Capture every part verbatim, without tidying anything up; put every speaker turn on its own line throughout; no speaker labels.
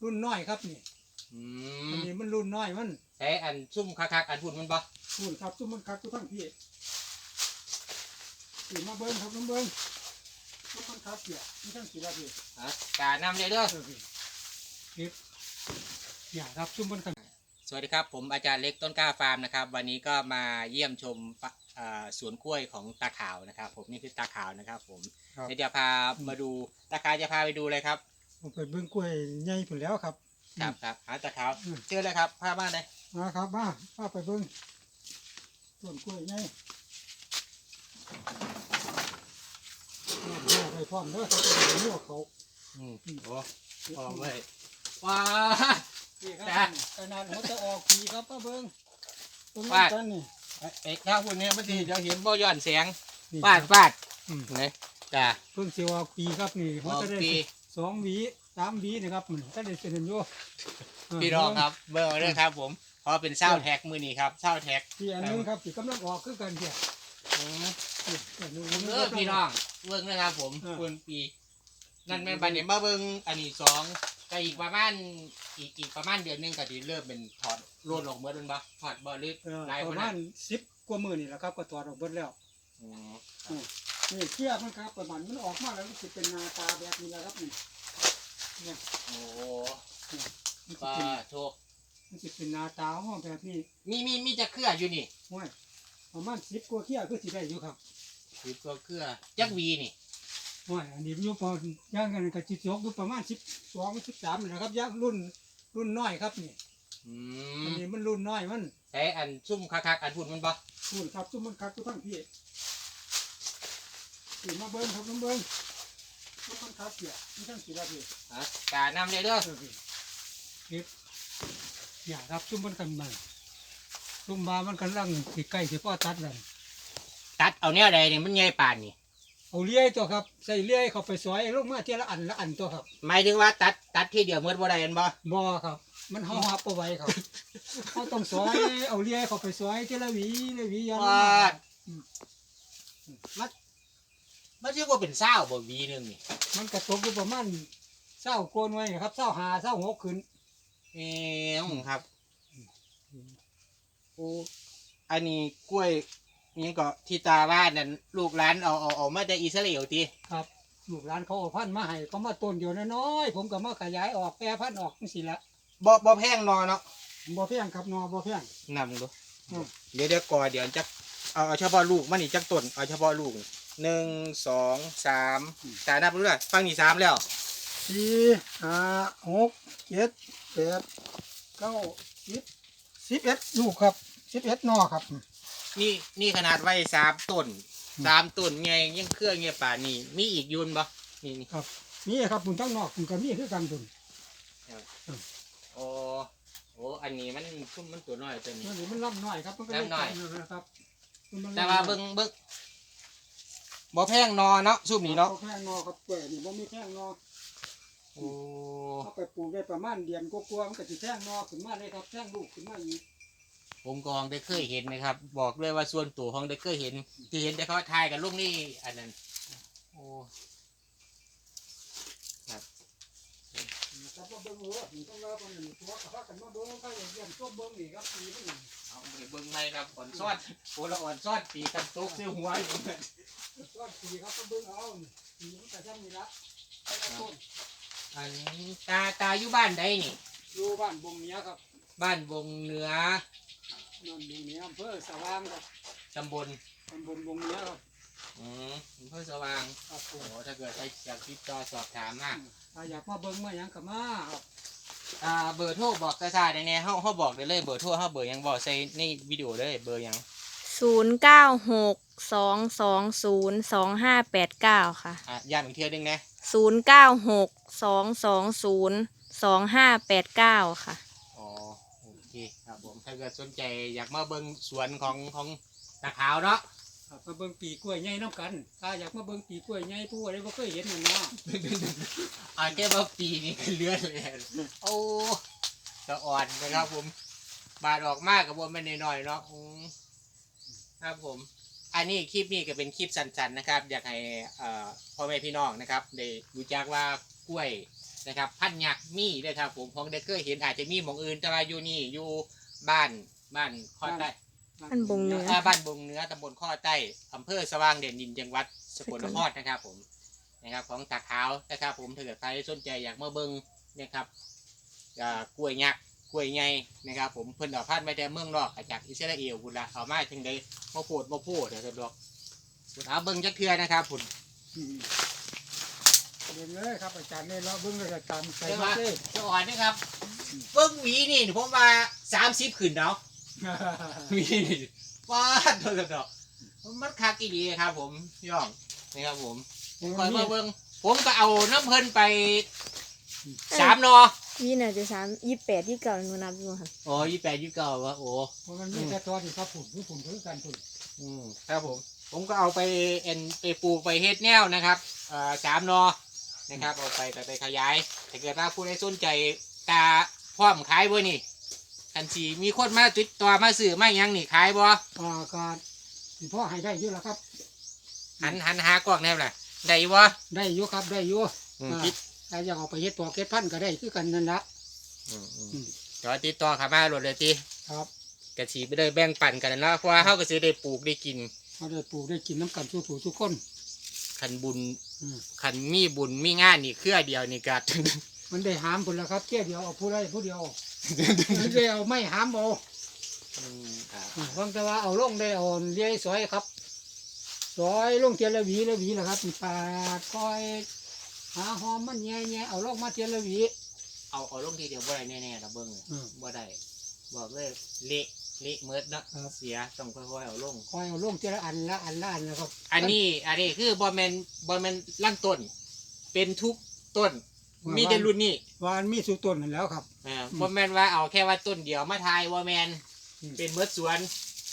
รุ่นน้อยครับนี่อันนี้มันรุ่นน้อยมัน
ใช้อันซุ่มคักๆอันพุ่นมันบ่
พุ่นครับซุ่มมันคักทุกทั้งพี่สีมาเบิ้งครับน้ำเบิ้งซุ่มมันคักเกี่ยไม่ทั้งสีละพี่
ฮะการนำเลยเด้อ
พี่พี่อย่าครับซุ่มมันคัก
สวัสดีครับผมอาจารย์เล็กต้นกล้าฟาร์มนะครับวันนี้ก็มาเยี่ยมชมสวนกล้วยของตาขาวนะครับผมนี่คือตาขาวนะครับผมเดี๋ยวจะพามาดูตาขาวจะพาไปดูเลยครับ
ผมไปเบิ้งกล้วยใหญ่ผุนแล้วครับ
ครับครับหาตาขาวเจอเลยครับพาบ้านเลย
มาครับมาพาไปเบิ้งต้นกล้วยใหญ่น้ำไปพร้อมเด้อเขาจะเลี้ยวเขา
อืมโอ้พร้อมเลยว้า
นี่ครับขนาดหัวจะออกปีครับป้าเบิ้งตรงนี้กันนี่
ไอ้ข้าวพุ่นนี้เมื่อกี้เราเห็นบ่ย้อนแสงฟาดฟาดนี่จ้า
เพิ่งเสียวออกปีครับนี่เขาจะได้สองหวีสามหวีนะครับมันก็ได้เสร็จอยู่
พี่น้องครับเบอร์ด้วยครับผมพอเป็นเศร้าแท็กมือนี่ครับเศร้าแท็ก
ที่อันนึงครับที่กำลังออกคือกันเดียว
เออพี่น้องเบิ้งนะครับผมคุณปีนั่นแม่บันเนี่ยมาเบิ้งอันนี้สองก็อีกประมาณอีกอีกประมาณเดือนนึงก็จะเริ่มเป็นถอดร่นออกเมื่อเป็นบ่ถอดบ่อลึก
ประมาณสิบกว่ามือนี่แหละครับก็ถอดออกเบิดแล้วนี่เขี้ยมันครับประมาณมันออกมาแล้วมันจะเป็นนาตาแบบนี้แหละครับนี่เนี่ย
โอ้ป้าโชค
มันจะเป็นนาตาห้องแบบนี้
มีมีมีจะเคลื่ออยู่นี่
ห้วยประมาณสิบกว่าเขี้ยคือสิได้อยู่ครับ
สิบกว่าเคลื่อจักวีนี่
ห้วยอันนี้อยู่พอย่างกันกับจิตยกอยู่ประมาณสิบสองสิบสามนะครับย่างรุ่นรุ่นน้อยครับนี่อันนี้มันรุ่นน้อยมัน
ใช้อันซุ่มคักๆอันพุ่นมันบ่
พุ่นครับซุ่มมันคักทุกทั้งพี่สีมาเบิ้งครับน้ำเบิ้งซุ่มมันคักเกี่ยไม่ทั้งสีละพี่
ฮะการนำเลยเด้อ
พี่อย่าครับซุ่มมันกันมันซุ่มบามันกันลังสีไก่สีพ่อตัดเลย
ตัดเอาเนี้ยใดเนี่ยมันใหญ่ป่านนี่
เอาเลี้ยตัวครับใส่เลี้ยเข้าไปซอยลงมาเทีละอันละอันตัวครับ
หมายถึงว่าตัดตัดที่เดียวเมื่อบ่ได้กันบ่
บ่ครับมันห่อหับเอาไว้ครับเขาต้องซอยเอาเลี้ยเข้าไปซอยเทีละหวีละหวียัน
มันมันชื่อว่าเป็นเศร้าบ่วีนึงนี่
มันกระตกอยู่ประมาณเศร้าโกนไว้ครับเศร้าหาเศร้าหกขึ้น
เอ๋ครับโอ้อันนี้กล้วยนี่ก็ที่ตาบ้านนั่นลูกหลานเอาเอาเอามาจากอิสราเอลตี
ครับลูกหลานเขาเอาพันธุ์มาให้เขามาต้นเดียวน้อยผมก็มาขยายออกแปรพันธุ์ออกนี่สิละ
บ่บ่แพงนอเนาะ
บ่แพงครับนอบ่แพง
นำดูเดี๋ยวเดี๋ยวก่อเดี๋ยวจักเอาเอาเฉพาะลูกมันนี่จักต้นเอาเฉพาะลูกหนึ่งสองสามตานับดูด้วยฟังนี่สามแล้ว
สี่ห้าหกเจ็ดแปดเก้าสิบสิบเอ็ดลูกครับสิบเอ็ดนอครับ
นี่นี่ขนาดไว้สามต้นสามต้นไงยังเครื่องเงี้ยป่านี่มีอีกยุนบ่นี่นี่
ครับนี่ครับปุ่นทั้งนอกปุ่นกับมีคือกันปุ่น
โอ้โอ้อันนี้มันชุ่มมันตัวน้อยตัวนี้
มันมันล่ำน้อยครับมันก็
ล่ำน้อย
นะครับ
แต่ว่าเบิ้งเบิ้งบ่แพงนอเนาะซุ่มนี่เนาะ
บ่แพงนอครับเปิดนี่บ่มีแพงนอ
โอ้
เอาไปปลูกได้ประมาณเดือนกว่าๆมันก็จะแพงนอขึ้นมาเลยครับแพงลูกขึ้นมาอีก
ผมกองได้เคยเห็นนะครับบอกเลยว่าส่วนตัวของได้เคยเห็นที่เห็นแต่เขาทายกับลูกนี่อันนั้นโอ้ครับ
ครับเบิ้งหัวต้องเล่าคนหนึ่งตัวข้ากันมาเบิ้งข้าอย่างเยี่ยมตัวเบิ้งนี่ครับปีนี่
เอาไปเบิ้งไหมครับอ่อนซอดโอ้ละอ่อนซอดปีกันตุกเสี้ยวหัวอยู่
ซอดปีครับก็เบิ้งเอาปีมันแต่ช่างนี่ละ
อันตาตาอยู่บ้านใดนี่
อยู่บ้านบงเนี้ยครับ
บ้านบงเหนือ
นั่นบงเนี้ยอำเภอสว่างครับ
ตำบล
ตำบลบงเนี้ยครับ
อืมอำเภอสว่างโอ้โหถ้าเกิดใครอยากติดต่อสอบถามมา
ถ้าอยากมาเบิ้งมาอย่างกับมาครับ
อ่าเบอร์โทรบอกกระซาได้แน่เขาเขาบอกได้เลยเบอร์โทรเขาเบอร์ยังบอกใส่ในวิดีโอเลยเบอร์ยัง
ศูนย์เก้าหกสองสองศูนย์สองห้าแปดเก้าค่ะ
อ่ะย้ำอีกเทียนึงนะ
ศูนย์เก้าหกสองสองศูนย์สองห้าแปดเก้าค่ะ
อ๋อโอเคครับผมถ้าเกิดสนใจอยากมาเบิ้งสวนของของตาขาวเนาะ
มาเบิ้งปีกล้วยใหญ่น้ำกันถ้าอยากมาเบิ้งปีกล้วยใหญ่ผู้อะไรบ่เคยเห็นมันนะ
อาแค่ว่าปีนี้ก็เลือดเลยโอ้สะอ่อนนะครับผมบาดออกมากกับว่าไม่น้อยๆเนาะครับผมอันนี้คลิปนี้ก็เป็นคลิปสั้นๆนะครับอยากให้พ่อแม่พี่น้องนะครับได้รู้จักว่ากล้วยนะครับพันยักษ์มีด้วยครับผมของเด็กเคยเห็นอาจจะมีหมองอื่นแต่ว่าอยู่นี่อยู่บ้านบ้านข้อใต้
อันบงเหนือ
อ่าบ้านบงเหนือตำบลข้อใต้อำเภอสว่างเด่นดินจังหวัดสกลนครนะครับผมนะครับของตาขาวนะครับผมถ้าเกิดใครสนใจอยากมาเบิ้งนะครับอ่ากล้วยยักษ์กล้วยไงนะครับผมเพิ่นเอาพันธุ์มาแต่เมืองนอกจากอิสราเอลพุ่นละเอามาถึงได้มาโพดมาโพดเดี๋ยวจะดอกเอาเบิ้งจักเทือนะครับพุ่น
เรียนเลยครับอาจารย์เนี่ยเราเบิ้งเลยตามใส่
เดี๋ยว
มา
มา
เลย
จะอ่อนนะครับเบิ้งหวีนี่ผมว่าสามสิบขึ้นเนาะ หวีนี่ว้าดโดนดอกมันคักอีดีครับผมย่องนะครับผมคอยมาเบิ้งผมก็เอาน้ำเพิ่นไปสามนอ
ยี่น่าจะสามยี่แปดยี่เก้าหนูนับอยู่ค่ะ
โอ้ยี่แปดยี่เก้าวะโอ้
เพราะมันมีแต่ตัวที่ครับผุนที่ผุนคือการผุน
อืมครับผมผมก็เอาไปเอ็นไปปลูกไปเฮ็ดแนวนะครับอ่าสามนอนะครับเอาไปไปไปขยายถ้าเกิดว่าผู้ใดสนใจตาพร้อมขายบ่นี่คันสีมีคนมาติดต่อมาซื้อมาหยังนี่ขายบ่
อ่าการที่พ่อให้ได้เยอะแล้วครับ
หันหันหากล้องแนวล่ะได้บ่
ได้เยอะครับได้เยอะ
อืม
อ่า
คิด
ถ้าอยากเอาไปเฮ็ดตัวเก็ดพันธุ์ก็ได้คือกันนั่นละ
อืมอืม
อืม
เดี๋ยวติดต่อเข้ามาโหลดเลยติ
ครับ
กะสีไปเลยแบ่งปันกันเนาะเพราะว่าเฮาก็สิได้ปลูกได้กิน
เขาได้ปลูกได้กินน้ำกันสู้ผู้ทุกคน
คันบุญ
อืม
คันมีบุญมีงานนี่เครือเดียวนี่ก็
มันได้หามผลแล้วครับแค่เดียวเอาผู้ใดผู้เดียวมันได้เอาไม่หามเอา
อืมอ่า
อ่าฟังแต่ว่าเอาลงได้เอาเลี้ยสอยครับสอยลงเทียนละหวีละหวีแหละครับปาดคอยหาหอมมันแง่แง่เอาลงมาเทียนละหวี
เอาเอาลงทีเดียวบ่ได้แน่ๆเราเบิ่ง
อืม
บ่ได้บอกเลยเละเละเมิดเนาะ
ครับ
เสียต้องค่อยๆเอาลง
คอยเอาลงเทียนละอันละอันละอันนะครับ
อันนี้อันนี้คือบ่แม่นบ่แม่นลั่นต้น เป็นทุกต้น มีแต่รุ่นนี้
วานมีสุต้นนั่นแล้วครับ
อ่าบ่แม่นว่าเอาแค่ว่าต้นเดียวมาทายบ่แม่น
อืม
เป็นเมิดสวน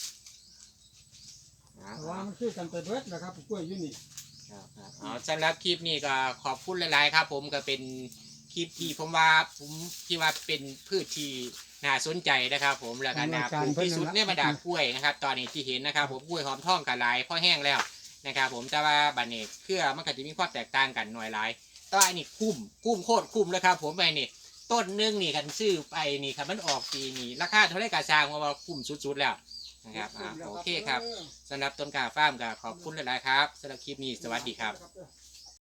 อ่า
แต่ว่ามันคือกันไปเบิดนะครับกล้วยอยู่นี่
ครับครับเอาสำหรับคลิปนี้ก็ขอบคุณหลายๆครับ ผมก็เป็นคลิปที่ผมว่าผมที่ว่าเป็นพืชที่น่าสนใจนะครับ ผมแล้วก็น่าปลูกที่สุดในบรรดากล้วยนะครับ ตอนนี้ที่เห็นนะครับ ผมกล้วยหอมทองกับหลายพอแห้งแล้วนะครับ ผมแต่ว่าบัดนี้เครือมันก็จะมีความแตกต่างกันหน่อยหลายแตัวาอันนี้คุ้มคุ้มโคตรคุ้มเลยครับ ผมไปนี่ต้นหนึงนี่คันซื้อไปนี่คันมันออกปีนี่ราคาเท่าไรกาซางว่าคุ้มสุดๆแล้วนะครับอ่าโอเคครับสำหรับต้นกาฟ้าร์มก็ขอบคุณหลายๆครับสำหรับคลิปนี้สวัสดีครับ
ครับ